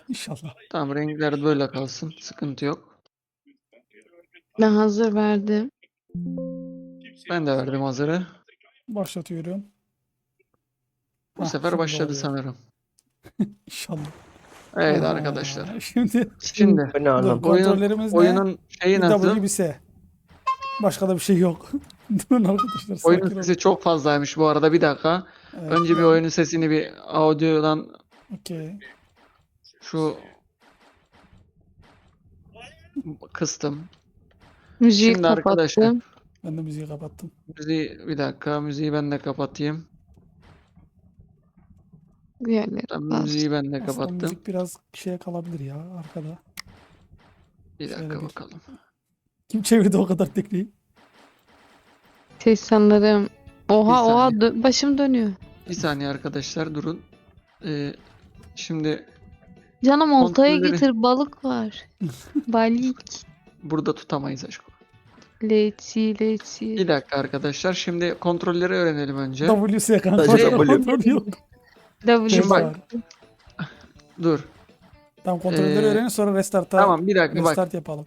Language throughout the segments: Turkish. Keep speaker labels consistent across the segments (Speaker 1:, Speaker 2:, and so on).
Speaker 1: İnşallah.
Speaker 2: Tamam, renkler böyle kalsın. Sıkıntı yok.
Speaker 3: Ben hazır verdim.
Speaker 2: Ben de verdim hazırı.
Speaker 1: Başlatıyorum.
Speaker 2: Bu
Speaker 1: Hah,
Speaker 2: sefer
Speaker 1: şimdi
Speaker 2: başladı
Speaker 1: oluyor.
Speaker 2: sanırım.
Speaker 1: İnşallah.
Speaker 2: Evet
Speaker 1: Aha,
Speaker 2: arkadaşlar.
Speaker 1: Şimdi
Speaker 2: Şimdi
Speaker 4: Bu ne
Speaker 1: dur,
Speaker 4: anlam?
Speaker 1: kontrollerimiz ne?
Speaker 2: oyunun şeyi
Speaker 1: Bir W
Speaker 2: nasıl?
Speaker 1: bir S. Başka da bir şey yok. Durun arkadaşlar,
Speaker 2: Oyunun
Speaker 1: sakin olun.
Speaker 2: sesi çok fazlaymış bu arada. Bir dakika.
Speaker 1: Evet,
Speaker 2: Önce bir oyunun sesini bir audio'dan
Speaker 1: okey.
Speaker 2: şu kıstım.
Speaker 3: Müziği
Speaker 2: Şimdi arkadaşlar
Speaker 3: kapattım.
Speaker 1: Ben de müziği kapattım.
Speaker 2: bir dakika, müziği ben de kapatayım.
Speaker 3: Diğerleri
Speaker 2: Tamam, müziği ben de
Speaker 1: Aslında
Speaker 2: kapattım.
Speaker 1: müzik biraz şeye kalabilir ya arkada.
Speaker 2: Bir
Speaker 1: Şöyle
Speaker 2: dakika
Speaker 1: bir-
Speaker 2: bakalım.
Speaker 1: Kim çevirdi o kadar tekniği?
Speaker 3: Ses sanırım. Oha
Speaker 2: Bir
Speaker 3: oha
Speaker 2: saniye.
Speaker 3: başım dönüyor.
Speaker 2: Bir saniye arkadaşlar durun. Şimdi
Speaker 3: Canım oltayı
Speaker 2: Kontrolleri-
Speaker 3: getir, balık var. Balık.
Speaker 2: burada tutamayız aşkım.
Speaker 3: Leci.
Speaker 2: Bir dakika arkadaşlar. Şimdi kontrolleri öğrenelim önce.
Speaker 1: WS kanka.
Speaker 4: Sadece
Speaker 1: başka
Speaker 4: W.
Speaker 1: kontrol yok.
Speaker 3: W
Speaker 1: Ses
Speaker 2: bak.
Speaker 1: var.
Speaker 2: Dur.
Speaker 1: Tamam, kontrolleri öğrenin, sonra restart'a
Speaker 2: Tamam bir dakika bak.
Speaker 1: restart yapalım.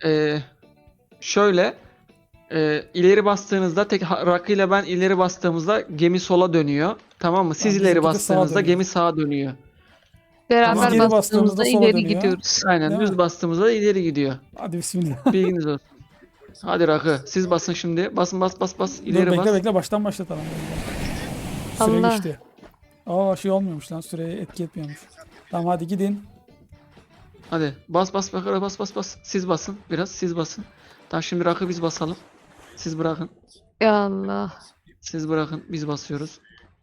Speaker 2: Şöyle ileri bastığınızda Rakı ile ben ileri bastığımızda gemi sola dönüyor. Tamam mı? Siz
Speaker 1: Tamam,
Speaker 2: ileri
Speaker 1: bizimki de sağa
Speaker 2: bastığınızda
Speaker 1: dönüyor.
Speaker 2: gemi sağa dönüyor.
Speaker 3: Beraber
Speaker 1: Geri bastığımızda
Speaker 3: bastığımızda
Speaker 1: sola
Speaker 3: ileri
Speaker 1: dönüyor.
Speaker 3: gidiyoruz.
Speaker 2: Aynen
Speaker 1: Değil
Speaker 2: düz
Speaker 1: mi?
Speaker 2: bastığımızda ileri gidiyor.
Speaker 1: Hadi bismillah.
Speaker 2: Bilginiz olsun. Hadi Rakı. Siz basın şimdi. Basın bas.
Speaker 1: Dur,
Speaker 2: İleri
Speaker 1: bekle
Speaker 2: bas.
Speaker 1: bekle, baştan başlatalım. Süre
Speaker 3: Allah.
Speaker 1: geçti. Aa, şey olmuyormuş lan, süreye etki etmiyormuş. Tamam, hadi gidin.
Speaker 2: Hadi bas. Siz basın. Biraz siz basın. Tamam şimdi Rakı biz basalım. Siz bırakın.
Speaker 3: Ya Allah.
Speaker 2: Siz bırakın. Biz basıyoruz.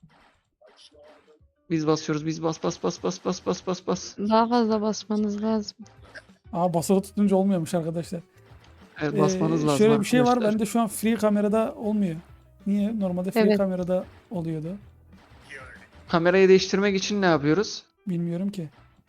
Speaker 2: Biz basıyoruz. Biz bas.
Speaker 3: Daha fazla basmanız lazım.
Speaker 1: Aa, basılı tutunca olmuyormuş arkadaşlar.
Speaker 2: Evet basmanız lazım
Speaker 1: Şöyle bir şey var,
Speaker 2: arkadaşlar.
Speaker 1: bende şu an free kamerada olmuyor. Niye? Normalde free
Speaker 3: Evet.
Speaker 1: kamerada oluyordu.
Speaker 2: Kamerayı değiştirmek için ne yapıyoruz?
Speaker 1: Bilmiyorum ki.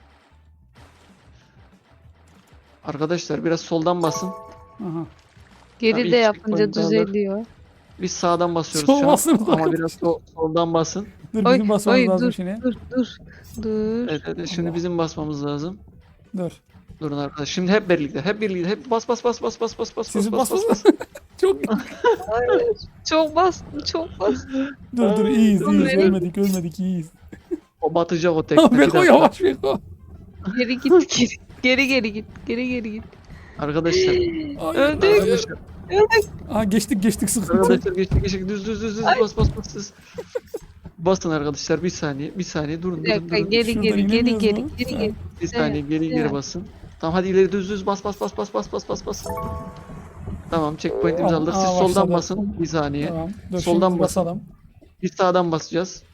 Speaker 2: Arkadaşlar biraz soldan basın.
Speaker 1: Aha.
Speaker 3: Geri
Speaker 2: Tabii
Speaker 3: de
Speaker 2: ilk
Speaker 3: yapınca
Speaker 2: checkpoint alır.
Speaker 3: düzeliyor.
Speaker 2: Biz sağdan basıyoruz
Speaker 1: Sol
Speaker 2: şu an.
Speaker 1: basın
Speaker 2: Ama
Speaker 1: arkadaşlar.
Speaker 2: biraz soldan basın.
Speaker 1: Dur,
Speaker 3: Oy,
Speaker 1: bizim basmamız
Speaker 3: oy,
Speaker 1: lazım
Speaker 3: dur,
Speaker 1: şimdi.
Speaker 3: Dur.
Speaker 2: Evet, şimdi
Speaker 1: Allah.
Speaker 2: bizim basmamız lazım.
Speaker 1: Dur.
Speaker 2: Durun arkadaşlar. Şimdi hep birlikte. Hep bas.
Speaker 1: Sizin basmanız çok.
Speaker 3: Çok bastım.
Speaker 1: Dur, iyiyiz.
Speaker 3: Nereye?
Speaker 1: Ölmedik, iyiyiz.
Speaker 2: O batacak o tekne. Bir
Speaker 1: Beko
Speaker 2: dakika.
Speaker 1: yavaş, Beko.
Speaker 3: Geri git. Geri git.
Speaker 2: Arkadaşlar.
Speaker 3: Öldük.
Speaker 2: Arkadaşlar.
Speaker 1: Aa, geçtik sıkıntı.
Speaker 2: Arkadaşlar geçtik. Düz. Bas. Basın arkadaşlar. Bir saniye. Durun.
Speaker 3: Bir dakika, geri
Speaker 1: Şuradan inemiyoruz mu?
Speaker 3: geri.
Speaker 2: Bir saniye geri
Speaker 3: Evet.
Speaker 2: basın. Tamam hadi ileri düz. Bas. Tamam checkpoint'imizi aldık. Siz
Speaker 1: Aa,
Speaker 2: soldan
Speaker 1: başladı.
Speaker 2: basın. Bir saniye.
Speaker 1: Tamam. Dur,
Speaker 2: Soldan
Speaker 1: şimdi
Speaker 2: basın.
Speaker 1: basalım.
Speaker 2: Biz sağdan basacağız.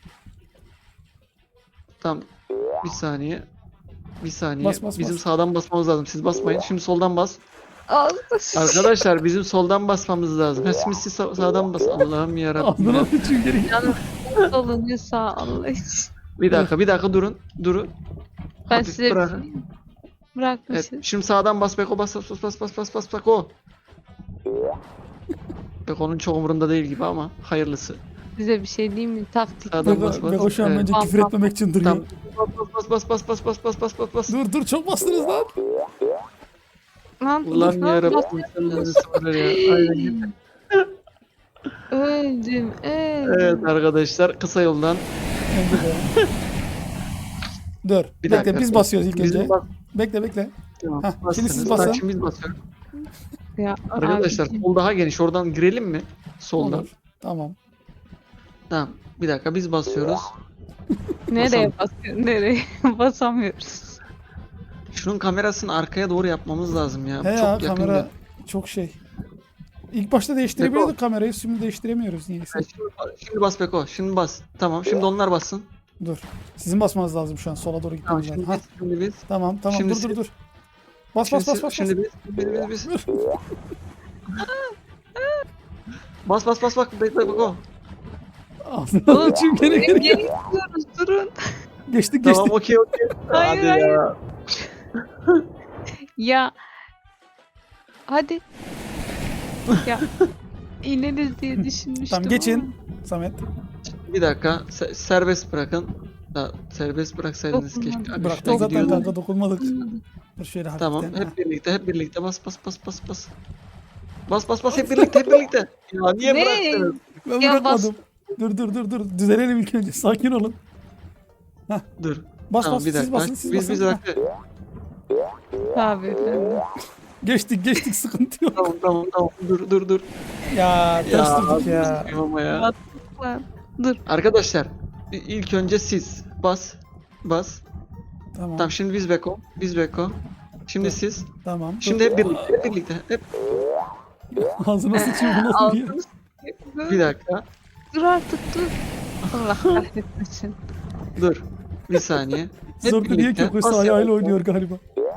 Speaker 2: Tamam. Bir saniye.
Speaker 1: Bas.
Speaker 2: Bizim sağdan basmamız lazım. Siz basmayın. Şimdi soldan bas.
Speaker 3: Allah.
Speaker 2: Arkadaşlar bizim soldan basmamız lazım. Ha, şimdi siz sağdan bas. Allah'ım yarabbim.
Speaker 1: Ağzına
Speaker 2: Ya.
Speaker 1: sıçayım, geri git.
Speaker 3: Solunu sağ Allah için.
Speaker 2: Bir dakika durun.
Speaker 3: Ben
Speaker 2: Hafif
Speaker 3: size
Speaker 2: bırakın. Evet.
Speaker 3: bırakmışım.
Speaker 2: Şimdi sağdan bas Beko bas Beko. Beko'nun çok umurunda değil gibi ama hayırlısı.
Speaker 3: Size bir şey diyeyim mi? Taktik.
Speaker 2: Sağdan bas.
Speaker 1: Beko şu an
Speaker 2: Evet.
Speaker 1: bence
Speaker 3: Tamam,
Speaker 1: küfür etmemek için duruyor.
Speaker 2: Tamam. Bas.
Speaker 1: Dur, çok bastınız lan.
Speaker 3: Lan,
Speaker 2: Ulan
Speaker 3: lan,
Speaker 2: yarabbim sen bizi sabır ya. Aynen gibi.
Speaker 3: Öldüm.
Speaker 2: Evet arkadaşlar kısa yoldan.
Speaker 1: Bence de. Dur.
Speaker 2: Bir
Speaker 1: Bekle,
Speaker 2: dakika.
Speaker 1: biz basıyoruz ilk
Speaker 2: Bizim
Speaker 1: önce.
Speaker 2: bas-
Speaker 1: Bekle.
Speaker 2: Tamam,
Speaker 1: Hah, şimdi siz
Speaker 2: bastınız.
Speaker 1: basın.
Speaker 2: Tamam, şimdi biz basıyoruz.
Speaker 3: Ya,
Speaker 2: Arkadaşlar
Speaker 3: abicim.
Speaker 2: sol daha geniş. Oradan girelim mi? Soldan.
Speaker 1: Olur. Tamam.
Speaker 2: Tamam. Bir dakika biz basıyoruz.
Speaker 3: Nereye basıyorsun? Nereye? Basamıyoruz.
Speaker 2: Şunun kamerasını arkaya doğru yapmamız lazım ya.
Speaker 1: He
Speaker 2: Çok
Speaker 1: ya,
Speaker 2: yakın.
Speaker 1: kamera çok şey. İlk başta değiştirebiliyorduk kamerayı, şimdi değiştiremiyoruz niyeyse.
Speaker 2: Şimdi bas Beko. Şimdi bas. Tamam. Şimdi onlar bassın.
Speaker 1: Dur. Sizin basmanız lazım şu an, sola doğru
Speaker 2: Tamam.
Speaker 1: gitmemiz lazım.
Speaker 2: Şimdi biz.
Speaker 1: Tamam.
Speaker 2: Şimdi
Speaker 1: Dur. Bas.
Speaker 2: Şimdi biz. Bas. Bekle Beko.
Speaker 1: Ağzına sıçayım, geri.
Speaker 3: Geri gidiyoruz, durun.
Speaker 1: Geçtik.
Speaker 2: Tamam okey.
Speaker 3: Hayır,
Speaker 2: Hadi ya.
Speaker 3: Ya. Hadi. Ya. İneriz diye düşünmüştüm.
Speaker 1: Tamam, geçin. Samet.
Speaker 2: Bir dakika. Serbest bırakın. Ya, serbest bıraksaydınız keşke.
Speaker 3: Dokunmadım.
Speaker 2: Abi,
Speaker 1: Bıraktık
Speaker 2: şuraya
Speaker 1: zaten
Speaker 2: gidiyordum.
Speaker 1: kanka, dokunmadık. Dur şöyle hafiften.
Speaker 2: Tamam,
Speaker 1: ha.
Speaker 2: hep birlikte bas bas bas bas bas. Bas bas bas hep birlikte. Ya niye
Speaker 3: Ne?
Speaker 2: bıraktınız?
Speaker 1: Ben
Speaker 3: Ya
Speaker 1: bırakmadım. Dur. Düzelelim ilk önce. Sakin olun.
Speaker 2: Dur.
Speaker 1: Bas
Speaker 2: Tamam
Speaker 1: bas
Speaker 2: bir
Speaker 1: siz
Speaker 2: dakika.
Speaker 1: basın siz
Speaker 2: Biz
Speaker 1: basın. Ha,
Speaker 2: dakika.
Speaker 3: Tabii efendim.
Speaker 1: geçtik sıkıntı yok.
Speaker 2: Tamam. Dur.
Speaker 1: Ya ters durduk
Speaker 2: abi,
Speaker 1: ya.
Speaker 2: sıkayım ama ya.
Speaker 3: Lan, dur.
Speaker 2: Arkadaşlar ilk önce siz bas.
Speaker 1: Tamam
Speaker 2: Tamam şimdi biz beko. Şimdi siz.
Speaker 1: tamam.
Speaker 2: Şimdi hep birlikte. Hep
Speaker 1: Ağzına sıçayım bu nasıl bir yer?
Speaker 3: Ağzını
Speaker 2: bir dakika.
Speaker 3: Dur artık dur. Allah kahretmesin.
Speaker 2: Dur. Bir saniye. Hep
Speaker 1: Zorlu niye
Speaker 2: birlikte.
Speaker 1: kökosu
Speaker 2: Bas
Speaker 1: ayağıyla
Speaker 2: yavaş.
Speaker 1: oynuyor galiba.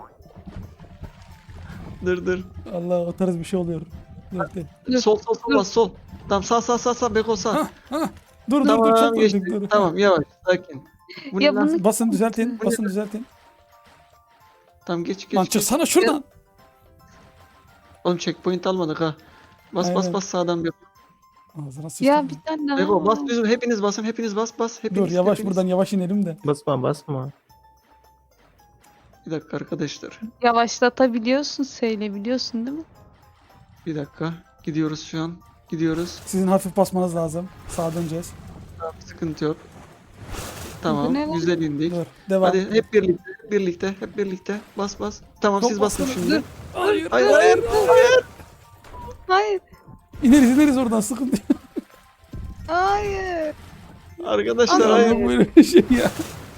Speaker 2: Dur.
Speaker 1: Allah, o tarz bir şey oluyor. Dur.
Speaker 2: Sol bas sol. Tamam sağ beko sağ.
Speaker 1: Dur
Speaker 2: Tamam
Speaker 1: çok
Speaker 2: geçti.
Speaker 1: durduk dur.
Speaker 2: Tamam yavaş sakin. Bu ne
Speaker 3: Ya
Speaker 2: lan?
Speaker 3: bunu
Speaker 1: Basın düzeltin.
Speaker 2: Tamam geç.
Speaker 1: Lan çıksana şuradan.
Speaker 2: Oğlum checkpoint almadık ha.
Speaker 1: Aynen.
Speaker 2: Bas sağdan bir.
Speaker 1: Ağzına sıçtım.
Speaker 3: ya bir tane daha.
Speaker 2: Beko bas bizim hepiniz basın bas.
Speaker 1: Dur yavaş buradan yavaş inelim de.
Speaker 4: Basma.
Speaker 2: Bir dakika arkadaşlar.
Speaker 3: Yavaşlatabiliyorsun, söyleyebiliyorsun değil mi?
Speaker 2: Bir dakika. Gidiyoruz şu an. Gidiyoruz.
Speaker 1: Sizin hafif basmanız lazım. Sağa döneceğiz.
Speaker 2: Tamam, sıkıntı yok.
Speaker 3: Bu
Speaker 2: Tamam.
Speaker 3: ne lan?
Speaker 2: Güzel indik.
Speaker 1: Dur devam.
Speaker 2: Hadi hep birlikte. Bas. Tamam
Speaker 1: Çok
Speaker 2: siz basın
Speaker 1: bastınız.
Speaker 2: şimdi.
Speaker 1: Dur. Hayır.
Speaker 2: Hayır.
Speaker 3: Hayır.
Speaker 1: İneriz oradan, sıkıntı yok.
Speaker 3: Hayır.
Speaker 2: Arkadaşlar hayır.
Speaker 1: Allah'ım böyle bir şey ya.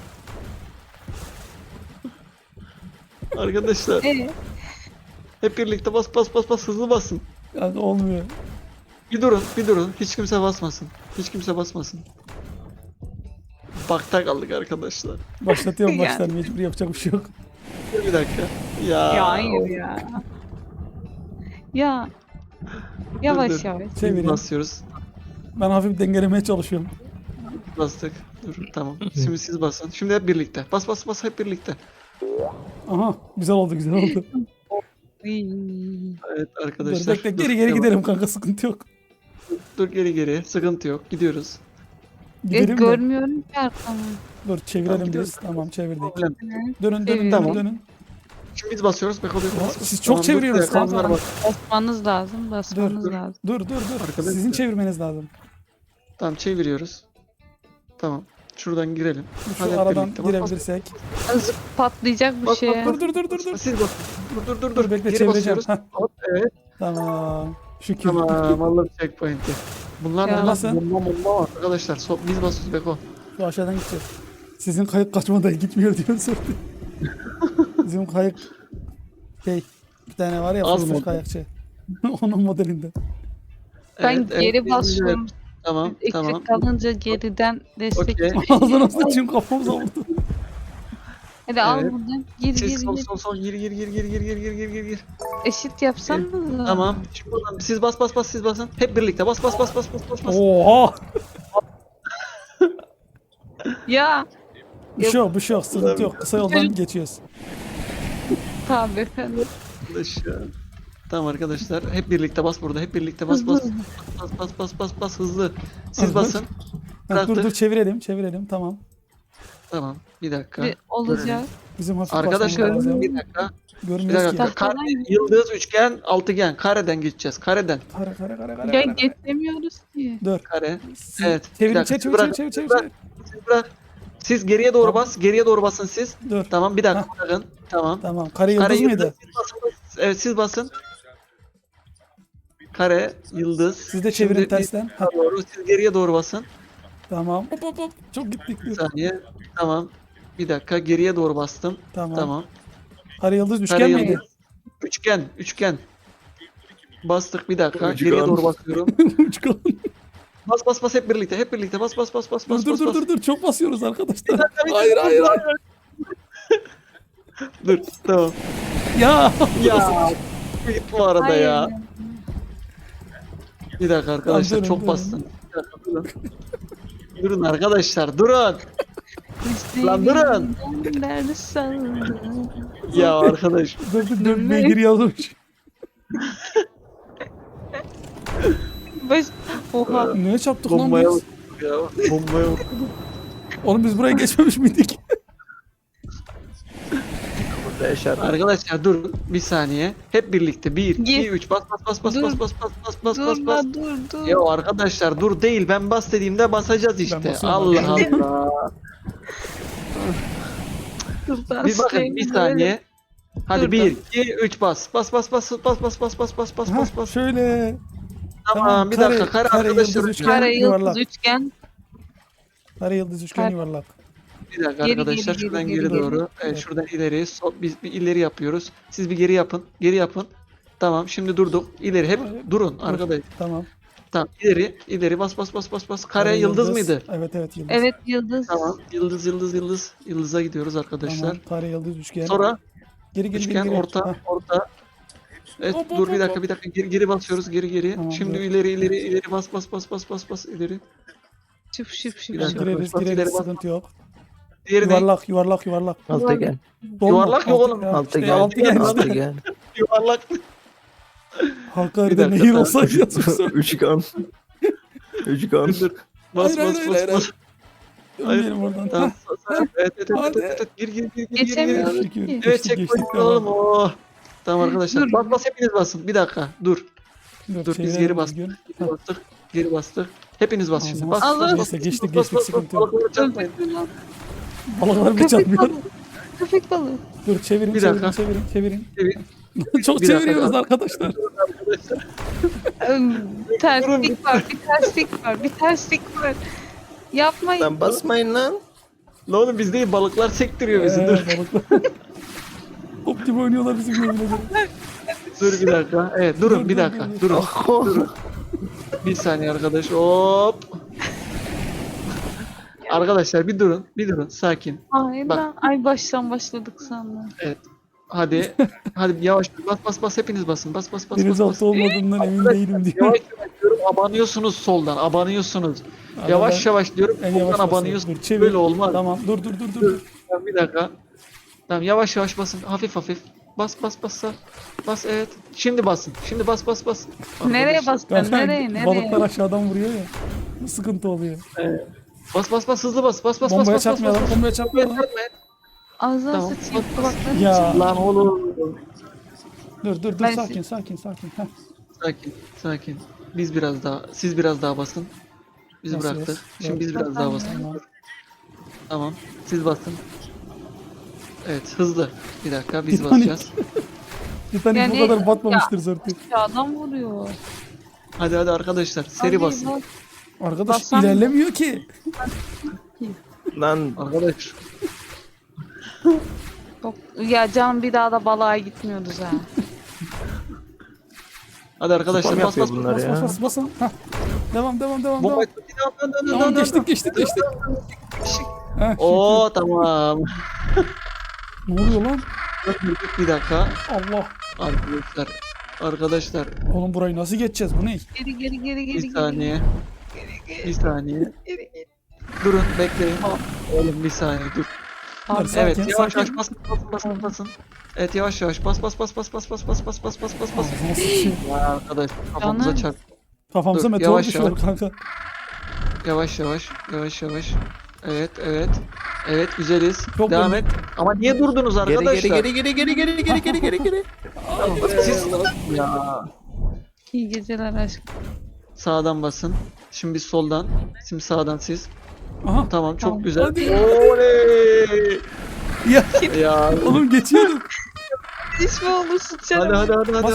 Speaker 2: Arkadaşlar hep birlikte bas hızlı basın.
Speaker 1: Yani olmuyor.
Speaker 2: Bir durun. Hiç kimse basmasın. Bakta kaldık arkadaşlar.
Speaker 1: Başlatıyorum
Speaker 3: Yani.
Speaker 1: baştan, mecbur, yapacak bir şey yok.
Speaker 2: Bir dakika. Ya.
Speaker 3: Ya hayır ya. Ya. Yavaş
Speaker 2: dur.
Speaker 3: yavaş.
Speaker 1: Çevirin.
Speaker 2: Basıyoruz.
Speaker 1: Ben hafif dengelemeye çalışıyorum.
Speaker 2: Bastık. Dur tamam. Şimdi siz basın. Şimdi hep birlikte. Bas hep birlikte.
Speaker 1: Aha, güzel oldu.
Speaker 3: Iy.
Speaker 2: Evet
Speaker 1: Dur
Speaker 2: arkadaşlar.
Speaker 1: bekle,
Speaker 2: Dur,
Speaker 1: geri
Speaker 2: devam.
Speaker 1: gidelim kanka, sıkıntı yok.
Speaker 2: Dur geri. Sıkıntı yok. Gidiyoruz.
Speaker 1: Gidelim mi?
Speaker 3: Görmüyorum ki arkamı.
Speaker 1: Dur çevirelim
Speaker 2: gidiyoruz.
Speaker 1: biz. Tamam çevirdik.
Speaker 2: Problem.
Speaker 1: Dönün
Speaker 3: Çeviriyorum.
Speaker 1: dönün.
Speaker 2: Şimdi biz basıyoruz. Beko
Speaker 1: Aa,
Speaker 2: bas.
Speaker 1: siz çok çeviriyorsunuz
Speaker 2: dur,
Speaker 1: kanka.
Speaker 2: bas.
Speaker 3: Basmanız lazım.
Speaker 2: dur.
Speaker 3: lazım.
Speaker 1: Dur.
Speaker 2: Arkadaşlar.
Speaker 1: Sizin çevirmeniz lazım.
Speaker 2: Tamam çeviriyoruz. Tamam. Şuradan girelim.
Speaker 1: Şu
Speaker 2: Hadi hep
Speaker 1: aradan
Speaker 2: birlikte. Bas,
Speaker 1: girebilirsek.
Speaker 3: Azıcık patlayacak bir
Speaker 2: Bas,
Speaker 3: şey.
Speaker 2: bas,
Speaker 1: Dur.
Speaker 2: Siz basın. Dur.
Speaker 1: Dur bekle,
Speaker 2: Geri
Speaker 1: çevireceğim.
Speaker 2: basıyoruz.
Speaker 1: Heh,
Speaker 2: Hop, evet.
Speaker 1: tamam. Şükür.
Speaker 2: Tamam. Allah'ım checkpoint'i. Bunlar
Speaker 3: Ya.
Speaker 2: ne
Speaker 1: Nasıl?
Speaker 2: lan? Bomba arkadaşlar. Biz basıyoruz Beko.
Speaker 1: Şu aşağıdan gideceğiz. Sizin kayık kaçmadan gitmiyor diyor sordu. Bizim kayık bir tane var ya,
Speaker 2: Az
Speaker 1: fıstık
Speaker 2: model.
Speaker 1: kayakçı. Onun modelinden.
Speaker 3: Ben
Speaker 2: Evet,
Speaker 3: geri
Speaker 2: biz
Speaker 3: basıyorum.
Speaker 2: Tamam.
Speaker 3: Eksik kalınca geriden destek.
Speaker 2: Okey.
Speaker 1: Ağzına sıçayım, kafamıza vurdu.
Speaker 3: Hadi al
Speaker 2: Evet.
Speaker 3: buradan. Gir
Speaker 2: Siz
Speaker 3: gir gir.
Speaker 2: sol gir.
Speaker 3: Eşit yapsan mı?
Speaker 2: Tamam. Şimdi buradan siz bas siz basın. Hep birlikte bas.
Speaker 1: Oha!
Speaker 3: Ya.
Speaker 1: Bir şey yok, sıkıntı yok. Kısa yoldan geçiyoruz.
Speaker 3: Tabii efendim.
Speaker 2: Arkadaşlar. Tamam arkadaşlar. Hep birlikte bas burada. Hep birlikte bas. Bas hızlı. Siz
Speaker 1: Hızlı.
Speaker 2: basın.
Speaker 1: Ha, dur
Speaker 2: Bıraktık.
Speaker 1: çevirelim tamam.
Speaker 2: Tamam. Bir dakika.
Speaker 3: Bir olacak.
Speaker 1: Bizim hafif
Speaker 2: Arkadaşlar
Speaker 1: basmamız lazım.
Speaker 2: bir dakika.
Speaker 1: Görmüyoruz ki.
Speaker 3: dakika.
Speaker 2: Kare, yıldız, üçgen, altıgen. Kareden gideceğiz. Kareden.
Speaker 1: Kare.
Speaker 3: Ya geçemiyoruz ki.
Speaker 1: Dur.
Speaker 2: Kare.
Speaker 1: Siz-
Speaker 2: Evet.
Speaker 1: Çevirin,
Speaker 2: bir dakika,
Speaker 1: çevir.
Speaker 2: Siz bırak. Siz geriye doğru bas. Geriye doğru basın siz.
Speaker 1: Dur.
Speaker 2: Tamam bir dakika bırakın. Tamam.
Speaker 1: Tamam. Kare yıldız mıydı?
Speaker 2: Siz basın. Evet siz basın. Kare, yıldız.
Speaker 1: Siz de çevirin
Speaker 2: Şimdi
Speaker 1: tersten. Ha,
Speaker 2: Doğru. Siz geriye doğru basın.
Speaker 1: tamam. Hop. Çok gittik.
Speaker 2: Bir saniye. Tamam. Bir dakika geriye doğru bastım.
Speaker 1: Tamam.
Speaker 2: Tamam.
Speaker 1: Kare yıldız üçgen
Speaker 2: Kare
Speaker 1: miydi?
Speaker 2: yıldız. Üçgen. Bastık bir dakika.
Speaker 4: Üçgen.
Speaker 2: Geriye doğru basıyorum.
Speaker 1: Üçgen.
Speaker 2: Bas hep birlikte. Bas.
Speaker 1: Dur. Çok basıyoruz arkadaşlar. Hayır.
Speaker 2: Dur. Tamam.
Speaker 1: Ya.
Speaker 2: Ya. Bu arada
Speaker 3: Hayır.
Speaker 2: ya. Bir dakika arkadaşlar
Speaker 1: Tamam,
Speaker 2: çok
Speaker 1: durun.
Speaker 2: bastın. Bir dakika, durun. Durun arkadaşlar durun. Lan durun.
Speaker 3: Nerede sandın?
Speaker 2: Ya arkadaş.
Speaker 1: Dur. Beygir yazmış.
Speaker 3: Baş... Oha.
Speaker 1: Neye çarptık lan
Speaker 2: Bombaya
Speaker 1: biz?
Speaker 2: vurduk ya. Bombaya vurduk.
Speaker 1: Oğlum biz buraya geçmemiş miydik?
Speaker 4: Burada yaşar.
Speaker 2: Arkadaşlar durun bir saniye. Hep birlikte 1
Speaker 3: Gir.
Speaker 2: 2 3 bas bas bas
Speaker 3: Dur.
Speaker 2: bas bas bas bas bas bas
Speaker 3: Dur
Speaker 2: bas.
Speaker 3: la dur.
Speaker 2: Ya arkadaşlar dur değil, ben bas dediğimde basacağız işte.
Speaker 1: basıyorum.
Speaker 2: Allah Allah.
Speaker 3: Dur
Speaker 2: Bir bakın bir saniye. Hadi
Speaker 3: Dur,
Speaker 2: 1 2 3 bas. Bas bas bas bas bas bas bas bas bas
Speaker 1: Ha,
Speaker 2: bas bas.
Speaker 1: şöyle.
Speaker 2: Tamam bir dakika kare arkadaşlar.
Speaker 1: yıldız, üçgen,
Speaker 3: Kare
Speaker 1: yuvarlak.
Speaker 3: yıldız üçgen.
Speaker 1: Kare yıldız üçgen
Speaker 3: Kare.
Speaker 1: yuvarlak.
Speaker 2: Bir dakika
Speaker 3: Geri,
Speaker 2: arkadaşlar
Speaker 3: geri,
Speaker 2: şuradan
Speaker 3: geri,
Speaker 2: geri,
Speaker 3: geri.
Speaker 2: doğru. Evet,
Speaker 1: Evet.
Speaker 2: şuradan ileri. Biz bir ileri yapıyoruz. Siz bir geri yapın. Geri yapın. Tamam şimdi durduk. İleri hep durun arkadaş.
Speaker 1: Tamam.
Speaker 2: Tamam ileri bas bas bas bas bas. Kare yıldız mıydı?
Speaker 1: Evet evet yıldız.
Speaker 3: Evet yıldız.
Speaker 2: Tamam. Yıldız. Yıldıza gidiyoruz arkadaşlar.
Speaker 1: Tamam. Kare yıldız üçgen.
Speaker 2: Sonra
Speaker 1: geri geri
Speaker 2: üçgen
Speaker 1: geri. geri.
Speaker 2: orta
Speaker 1: Hah,
Speaker 2: orta. Evet
Speaker 1: Hop, hop,
Speaker 2: dur bir
Speaker 1: hop,
Speaker 2: dakika
Speaker 1: hop.
Speaker 2: bir dakika geri basıyoruz geri.
Speaker 1: Tamam,
Speaker 2: Şimdi
Speaker 1: dur.
Speaker 2: ileri bas bas ileri.
Speaker 3: Şıp şıp şıp
Speaker 2: Bir dakika.
Speaker 3: şıp.
Speaker 1: gireriz
Speaker 2: bas, ileri
Speaker 1: gireriz
Speaker 2: bas.
Speaker 1: sıkıntı yok.
Speaker 2: Diğeri ne?
Speaker 1: Yuvarlak.
Speaker 4: Altıgen.
Speaker 1: Dolma,
Speaker 2: Yuvarlak yok
Speaker 1: altı-
Speaker 2: oğlum.
Speaker 1: ya,
Speaker 4: Altıgen.
Speaker 1: altıgen işte.
Speaker 4: Altıgen.
Speaker 2: Yuvarlak.
Speaker 1: Hakkari'de
Speaker 2: Bir dakika,
Speaker 1: nehir
Speaker 2: tamam.
Speaker 1: olsaydı yazmışlar.
Speaker 4: Üçgen. Üçgen.
Speaker 2: Dur. Bas
Speaker 1: Hayır,
Speaker 2: bas
Speaker 1: hayır,
Speaker 2: bas
Speaker 1: hayır,
Speaker 2: bas.
Speaker 1: Ölmeyelim oradan.
Speaker 2: Tamam.
Speaker 1: Hah,
Speaker 2: Evet.
Speaker 1: Hadi.
Speaker 2: Gir.
Speaker 3: Geçemiyoruz
Speaker 1: Geçtik,
Speaker 3: ki.
Speaker 1: geçtik,
Speaker 2: Evet
Speaker 1: geçtik,
Speaker 2: checkpoint
Speaker 1: tamam.
Speaker 2: alalım. Oh. Tamam arkadaşlar.
Speaker 3: Dur.
Speaker 2: Bas hepiniz basın. Bir dakika. Dur biz
Speaker 1: çevirelim
Speaker 2: geri bastık.
Speaker 1: düzgün.
Speaker 2: Geri bastık. Hepiniz bas şimdi. Bas.
Speaker 3: Allah.
Speaker 2: bas, bas,
Speaker 1: Neyse, geçtik,
Speaker 2: bas, bas,
Speaker 1: sıkıntı
Speaker 2: bas,
Speaker 1: yok.
Speaker 2: balıkları çarpmayın.
Speaker 1: Balıklar bir
Speaker 3: Köpek
Speaker 1: çarpmıyor.
Speaker 3: balığı. Köpek balığı.
Speaker 1: Dur çevirin
Speaker 2: Bir
Speaker 1: çevirin
Speaker 2: dakika.
Speaker 1: çevirin.
Speaker 2: Evet.
Speaker 1: Çok
Speaker 2: Bir dakika.
Speaker 1: çeviriyoruz arkadaşlar.
Speaker 3: Terslik var. Bir terslik var. Yapmayın.
Speaker 4: Lan basmayın lan.
Speaker 2: Lan oğlum biz değil balıklar sektiriyor bizi. Dur.
Speaker 1: Balıklar. Optim oynuyorlar bizim yemin ederim.
Speaker 2: Dur bir dakika. Evet durun bir dakika. Durun. Durun. Bir saniye arkadaş. Hop. Arkadaşlar bir durun. Bir durun. Sakin.
Speaker 3: Ay
Speaker 2: Bak.
Speaker 3: ben ay baştan başladık sandım.
Speaker 2: Hadi. Hadi yavaş bas hepiniz basın. Bas.
Speaker 1: Denizaltı olmadığından emin değilim diyor.
Speaker 2: Yavaş diyorum abanıyorsunuz soldan. Abanıyorsunuz.
Speaker 1: Abi
Speaker 2: Yavaş diyorum.
Speaker 1: En yavaş
Speaker 2: Soldan
Speaker 1: basıyorum.
Speaker 2: abanıyorsunuz.
Speaker 1: Dur çevir.
Speaker 2: Böyle olmaz.
Speaker 1: Tamam dur.
Speaker 2: Tamam, bir dakika. Tamam yavaş basın. Hafif. Bas. Bas evet. Şimdi basın. Şimdi bas.
Speaker 3: Nereye
Speaker 2: Arkadaşlar,
Speaker 3: bastın? Nereye?
Speaker 1: Balıklar aşağıdan vuruyor ya. Bu sıkıntı oluyor.
Speaker 2: Bas hızlı bas.
Speaker 1: Bombaya çarpmayalım. Bombaya çarpmayalım.
Speaker 3: Ağzına
Speaker 2: Tamam.
Speaker 3: sıçayım kulaklarını.
Speaker 1: Ya
Speaker 2: Lan oğlum.
Speaker 1: dur
Speaker 3: Ben-
Speaker 1: sakin. Heh.
Speaker 2: Sakin. Siz biraz daha basın. Biz
Speaker 1: Basıyoruz.
Speaker 2: bıraktık. Şimdi
Speaker 1: Evet.
Speaker 2: biz biraz daha basın.
Speaker 1: Tamam.
Speaker 2: Tamam. Siz basın. Evet hızlı. Bir dakika biz
Speaker 1: Titanic.
Speaker 2: basacağız.
Speaker 1: Titanic
Speaker 3: Yani-
Speaker 1: bu kadar batmamıştır zaten.
Speaker 3: Adam vuruyor.
Speaker 2: Hadi arkadaşlar seri
Speaker 3: Hadi
Speaker 2: basın.
Speaker 3: bak.
Speaker 1: Arkadaş
Speaker 3: Bassam-
Speaker 1: ilerlemiyor ki.
Speaker 4: Lan
Speaker 2: Arkadaş.
Speaker 3: Ya can bir daha da balığa gitmiyoruz ha.
Speaker 2: Hadi arkadaşlar
Speaker 4: Spam
Speaker 2: bas.
Speaker 4: yapıyor bunlar ya.
Speaker 1: Basın. Heh. Devam.
Speaker 2: Bomba
Speaker 1: Tamam geçtik. Heh,
Speaker 2: Oo tamam.
Speaker 1: Ne oluyor lan?
Speaker 2: Bir dakika.
Speaker 1: Allah.
Speaker 2: Arkadaşlar
Speaker 1: Oğlum burayı nasıl geçeceğiz? Bu ne?
Speaker 3: Geri.
Speaker 2: bir saniye. Bir saniye. Durun bekleyin. Oğlum bir saniye dur.
Speaker 3: Abi,
Speaker 1: Sakin,
Speaker 2: Evet yavaş
Speaker 1: sakin.
Speaker 2: basın. Evet yavaş bas.
Speaker 1: Ağzına sıçayım.
Speaker 2: Ya arkadaş kafamıza
Speaker 3: Canım.
Speaker 2: çarp.
Speaker 1: Kafamıza
Speaker 2: Dur,
Speaker 1: meteor
Speaker 2: yavaş,
Speaker 1: düşüyor
Speaker 2: yavaş.
Speaker 1: kanka.
Speaker 2: Yavaş. Evet güzeliz.
Speaker 1: Çok
Speaker 2: Devam
Speaker 1: iyi.
Speaker 2: et. Ama niye durdunuz arkadaşlar?
Speaker 4: Geri.
Speaker 2: Siz ya.
Speaker 3: İyi geceler aşkım.
Speaker 2: Sağdan basın. Şimdi soldan. Şimdi sağdan siz.
Speaker 1: Aha.
Speaker 2: Tamam çok
Speaker 3: Tamam.
Speaker 2: güzel.
Speaker 1: Hadi.
Speaker 2: Oley!
Speaker 1: Ya
Speaker 2: Ya.
Speaker 1: oğlum geçiyordum.
Speaker 3: İş mi olur sıçarım.
Speaker 2: Hadi.
Speaker 1: Bas,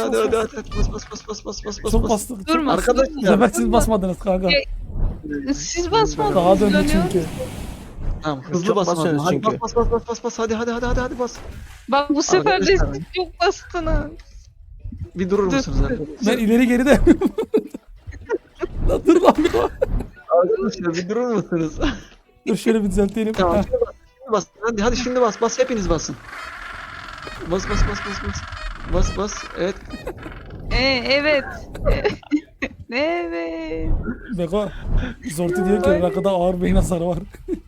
Speaker 2: Bas.
Speaker 1: Çok bastık.
Speaker 3: Durma.
Speaker 2: Arkadaşlar.
Speaker 1: Bu sefer siz basmadınız kanka.
Speaker 3: Siz basmadınız.
Speaker 1: Daha döndü
Speaker 3: dönüyor.
Speaker 1: çünkü.
Speaker 2: Tamam hızlı
Speaker 4: Çok
Speaker 2: basın.
Speaker 4: basıyoruz
Speaker 2: Hadi
Speaker 4: çünkü.
Speaker 2: bas. Hadi bas.
Speaker 3: Bak bu sefer de
Speaker 2: Arkadaşlar.
Speaker 3: siz çok bastınız.
Speaker 2: Bir durur
Speaker 3: Dur.
Speaker 2: musunuz arkadaşlar?
Speaker 1: Ben ileri geri de Lan dur lan bir bak.
Speaker 2: Arkadaşlar bir durur musunuz?
Speaker 1: Dur şöyle bir düzeltelim.
Speaker 2: Tamam
Speaker 1: Heh.
Speaker 2: şimdi bas. Hadi şimdi bas. Hepiniz basın. Bas. Evet.
Speaker 3: Evet. Evet.
Speaker 1: Beko. Zorti diyor ki rakıda ağır beyin hasarı var.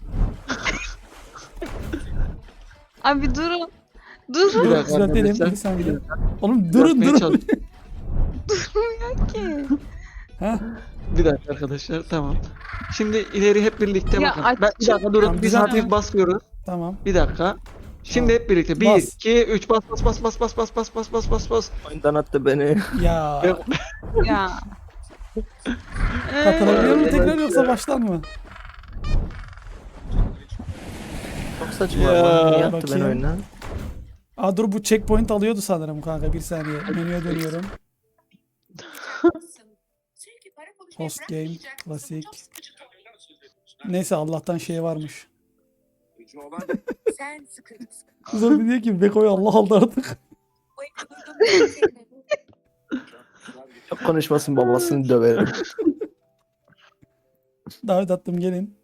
Speaker 3: Abi durun.
Speaker 2: Bir
Speaker 3: Durun
Speaker 2: dakika
Speaker 1: Düzeltelim
Speaker 2: arkadaşlar.
Speaker 1: bir saniye. Oğlum durun
Speaker 2: Yapmaya
Speaker 1: durun.
Speaker 2: çalış-
Speaker 3: ki.
Speaker 1: Ha?
Speaker 2: Bir dakika arkadaşlar, tamam. Şimdi ileri hep birlikte
Speaker 3: Ya
Speaker 2: bakın.
Speaker 3: aç-
Speaker 2: Bir dakika durun.
Speaker 1: Tamam,
Speaker 2: Biz
Speaker 1: zaten-
Speaker 2: hafif basıyoruz.
Speaker 1: Tamam.
Speaker 2: Bir dakika. Şimdi
Speaker 1: Tamam.
Speaker 2: hep birlikte. 1,
Speaker 1: Bas.
Speaker 2: 2, 3 bas bas bas bas bas bas bas bas bas bas bas.
Speaker 4: Oyundan attı beni.
Speaker 1: Ya.
Speaker 2: Yok.
Speaker 3: Ya.
Speaker 1: Katılabiliyor mu tekrar yoksa baştan mı?
Speaker 4: Çok saçma
Speaker 2: Ya,
Speaker 4: ama. Niye attı beni
Speaker 1: bakayım.
Speaker 4: oyundan?
Speaker 1: Aa dur bu checkpoint alıyordu sanırım kanka. Bir saniye. Menüye dönüyorum. Host game, klasik. Neyse Allah'tan şey varmış.
Speaker 5: Sen sıkıntı.
Speaker 1: Kızım bir diyor ki Beko'yu Allah aldı artık.
Speaker 4: Çok konuşmasın, babasını döverim.
Speaker 1: Davet attım gelin.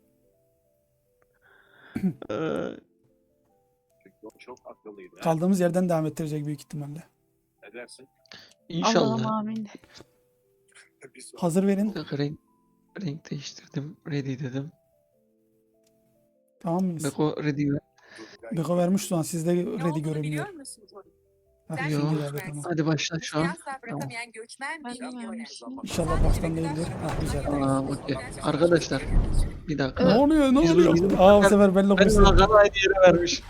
Speaker 2: Ee,
Speaker 6: Çok akıllıydı.
Speaker 1: Kaldığımız yerden devam ettirecek büyük ihtimalle.
Speaker 6: Ne dersin?
Speaker 3: Allah'ım
Speaker 2: İnşallah.
Speaker 3: amin.
Speaker 1: Hazır verin.
Speaker 2: Bir dakika, renk değiştirdim. Ready dedim.
Speaker 1: Tamam mıyız?
Speaker 2: Beko ready ver.
Speaker 1: Beko vermiş şu an. Sizde ready görünmüyor. Heh,
Speaker 2: Yo.
Speaker 1: şimdi geldi tamam.
Speaker 2: Hadi başla şu an.
Speaker 5: Asla bırakamayan göçmen bir
Speaker 3: Ben de
Speaker 5: milyoner.
Speaker 1: İnşallah baştan değildir. Ha güzel.
Speaker 2: Tamam, okey. Arkadaşlar, bir dakika.
Speaker 1: Ne oluyor ne
Speaker 2: Biz-
Speaker 1: oluyor?
Speaker 2: biz-
Speaker 1: Aa bu sefer benimle
Speaker 2: Ben
Speaker 1: konuşuyor.
Speaker 2: Hakan aynı yere vermiş.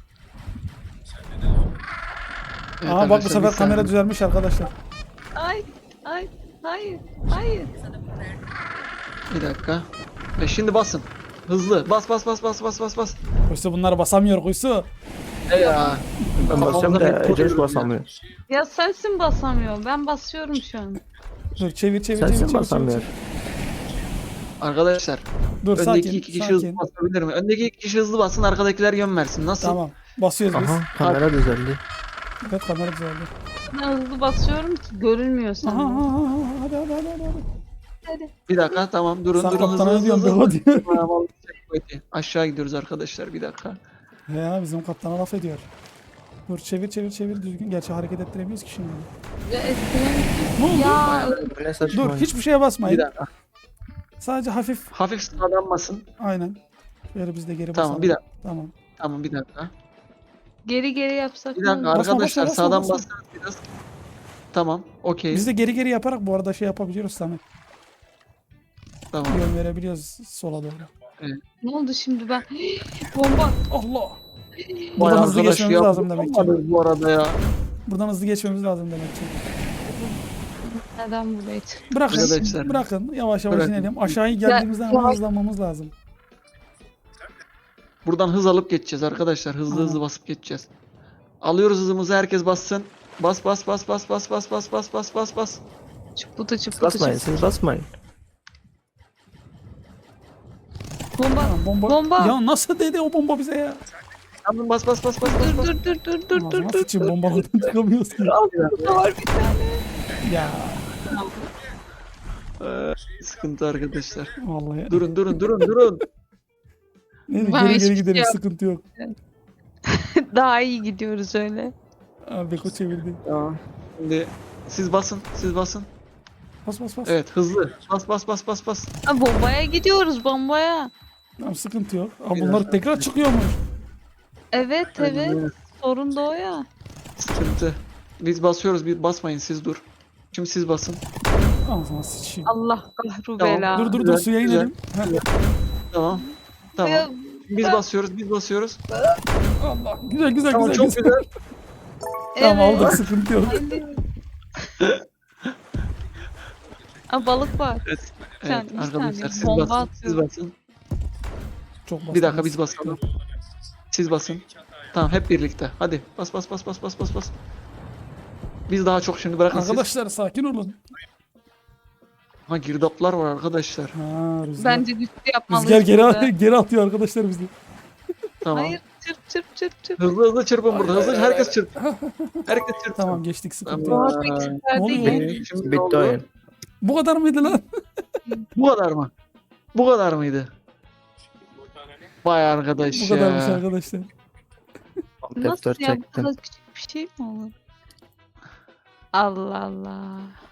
Speaker 2: Evet,
Speaker 1: Aa bak bu
Speaker 2: arkadaşlar,
Speaker 1: sefer
Speaker 2: bir
Speaker 1: kamera
Speaker 2: saniye.
Speaker 1: düzelmiş arkadaşlar.
Speaker 3: Ay. Ay. Hayır. Hayır.
Speaker 2: Bir dakika. Ve şimdi basın. Hızlı. Bas bas bas bas bas bas bas.
Speaker 1: Kuysu bunları basamıyor Kuysu.
Speaker 2: Ya.
Speaker 4: Ben basıyorum da Eceş basamıyor.
Speaker 3: Ya sensin basamıyor. Ben basıyorum şu an.
Speaker 1: Dur çevir çevir çevir
Speaker 4: Sensin
Speaker 1: çevir. çevir,
Speaker 4: basamıyor.
Speaker 1: çevir.
Speaker 2: Arkadaşlar,
Speaker 1: Dur
Speaker 2: öndeki
Speaker 1: sakin
Speaker 2: iki kişi hızlı
Speaker 1: sakin.
Speaker 2: basabilir mi? Öndeki iki kişi hızlı bassın, arkadakiler yön versin. Nasıl?
Speaker 1: Tamam. Basıyoruz biz.
Speaker 4: Aha, kamera düzeldi.
Speaker 1: Evet kamera düzeldi.
Speaker 3: Ben hızlı basıyorum ki görünmüyor
Speaker 1: Aha,
Speaker 3: sana.
Speaker 1: aha, aha, hadi hadi hadi hadi.
Speaker 3: Hadi.
Speaker 2: Bir dakika, tamam. Durun
Speaker 1: Sen
Speaker 2: durun.
Speaker 1: kaptana
Speaker 2: Hızlı
Speaker 1: ne diyorsun
Speaker 2: hızlı
Speaker 1: Beko
Speaker 2: hızlı.
Speaker 1: diyor.
Speaker 2: Tamam, aşağı gidiyoruz arkadaşlar, bir dakika.
Speaker 1: Ya bizim kaptana laf ediyor. Dur çevir çevir çevir düzgün. Gerçi hareket ettiremiyoruz ki şimdi.
Speaker 3: Ya eskiden...
Speaker 1: Ne oldu?
Speaker 3: Ya.
Speaker 4: Ne saçma.
Speaker 1: Dur hiçbir şeye
Speaker 2: Bir
Speaker 1: basmayın.
Speaker 2: dakika.
Speaker 1: Sadece hafif.
Speaker 2: Hafif sağdan basın.
Speaker 1: Aynen. Şöyle biz de geri basalım.
Speaker 2: Tamam, bir dakika.
Speaker 1: Tamam.
Speaker 2: Tamam, bir dakika.
Speaker 3: Geri yapsak
Speaker 2: Bir
Speaker 3: ne
Speaker 2: dakika
Speaker 3: olur?
Speaker 1: Basma,
Speaker 2: arkadaşlar,
Speaker 1: basma, basma,
Speaker 2: sağdan
Speaker 1: basma.
Speaker 2: bassanız biraz. Tamam, okey.
Speaker 1: Biz de geri yaparak bu arada şey yapabiliyoruz Samet.
Speaker 2: Tamam.
Speaker 1: Yön verebiliyoruz sola doğru.
Speaker 3: Ne oldu şimdi ben? Bomba.
Speaker 1: Allah.
Speaker 2: Vay
Speaker 1: Buradan hızlı
Speaker 2: arkadaş
Speaker 1: geçmemiz
Speaker 2: ya,
Speaker 1: lazım demek ki.
Speaker 2: olmadı bu arada ya.
Speaker 1: Buradan hızlı geçmemiz lazım demek ki.
Speaker 3: Neden buraya çıktı?
Speaker 1: Bırakın.
Speaker 2: Arkadaşlar.
Speaker 1: Bırakın. Yavaş yavaş
Speaker 2: Bırakın.
Speaker 1: inelim. Aşağıya geldiğimizde hemen
Speaker 3: yavaş.
Speaker 1: hızlanmamız lazım.
Speaker 2: Buradan hız alıp geçeceğiz arkadaşlar. Hızlı hızlı basıp geçeceğiz. Alıyoruz hızımızı, herkes bassın. Bas bas bas bas bas bas bas bas bas bas bas.
Speaker 3: Çıpıtı çıpıtı
Speaker 4: Basmayın,
Speaker 3: çıpıtı.
Speaker 4: siz basmayın.
Speaker 3: Bomba.
Speaker 1: Tamam, bomba.
Speaker 3: Bomba.
Speaker 1: Ya nasıl dedi o bomba bize ya?
Speaker 2: Tamam, bas bas bas bas bas bas.
Speaker 3: Dur.
Speaker 1: Nasıl için bombalardan çıkamıyoruz ki?
Speaker 3: Burada var bir tane.
Speaker 1: Ya
Speaker 2: Sıkıntı arkadaşlar.
Speaker 1: vallahi.
Speaker 2: Durun durun durun durun.
Speaker 1: Neyse,
Speaker 3: Ben
Speaker 1: geri
Speaker 3: hiçbir
Speaker 1: geri
Speaker 3: şey
Speaker 1: gidelim
Speaker 3: yap-
Speaker 1: sıkıntı yok.
Speaker 3: Daha iyi gidiyoruz öyle.
Speaker 1: Abi Beko çevirdi.
Speaker 2: Tamam. Şimdi siz basın, siz basın.
Speaker 1: Bas bas bas.
Speaker 2: Evet, hızlı. Bas bas bas bas bas.
Speaker 3: Ha, bombaya gidiyoruz bombaya.
Speaker 1: Tamam sıkıntı yok. Aa, bunlar tekrar çıkıyormuş.
Speaker 3: Evet. Sorun da o ya.
Speaker 2: Sıkıntı. Biz basıyoruz, bir basmayın, siz dur. Şimdi siz basın.
Speaker 1: Ağzına sıçayım.
Speaker 3: Allah kahru
Speaker 2: Tamam,
Speaker 3: bela.
Speaker 1: Dur
Speaker 2: güzel,
Speaker 1: suya
Speaker 2: güzel.
Speaker 1: inelim. Heh.
Speaker 2: Tamam. Tamam.
Speaker 3: Ya,
Speaker 2: Biz basıyoruz, biz basıyoruz.
Speaker 1: Allah. Güzel güzel
Speaker 2: Tamam,
Speaker 1: güzel.
Speaker 2: çok güzel.
Speaker 1: Tamam
Speaker 3: evet.
Speaker 1: aldık sıkıntı yok.
Speaker 3: Aa, balık var.
Speaker 2: Evet,
Speaker 3: Bir saniye, bir
Speaker 2: arkadaşlar
Speaker 3: saniye.
Speaker 2: siz
Speaker 3: Bomba
Speaker 2: basın, siz
Speaker 3: atıyorum.
Speaker 2: basın.
Speaker 1: Çok
Speaker 2: Bir dakika,
Speaker 1: bastınız.
Speaker 2: biz basalım. Siz basın. Tamam, hep birlikte. Hadi bas bas bas bas bas bas bas. Biz daha çok şimdi bırakın siz.
Speaker 1: Arkadaşlar sakin olun.
Speaker 2: Ha, girdaplar var arkadaşlar.
Speaker 1: Ha, rüzgar.
Speaker 3: Bence güçlü yapmalıyız.
Speaker 1: Rüzgar geri,
Speaker 3: burada.
Speaker 1: geri atıyor arkadaşlar bizi.
Speaker 2: Tamam.
Speaker 3: Hayır çırp.
Speaker 2: Hızlı hızlı çırpın burada. Hızlı herkes çırp. Herkes çırpsın.
Speaker 1: Tamam geçtik sıkıntı
Speaker 2: Tamam.
Speaker 1: yok.
Speaker 3: Aa, peki, süper
Speaker 1: Ne oluyor
Speaker 3: değil.
Speaker 1: lan?
Speaker 2: Şimdi ne
Speaker 4: Bitti
Speaker 2: oldu?
Speaker 4: oyun.
Speaker 1: Bu kadar mıydı lan?
Speaker 2: Bu kadar mı? Bu kadar mıydı? Vay arkadaş
Speaker 1: Bu
Speaker 2: ya.
Speaker 1: kadarmış arkadaşlar.
Speaker 3: Nasıl
Speaker 4: F4
Speaker 3: ya bu
Speaker 4: çektim.
Speaker 3: kadar küçük bir şey mi olur? Allah Allah.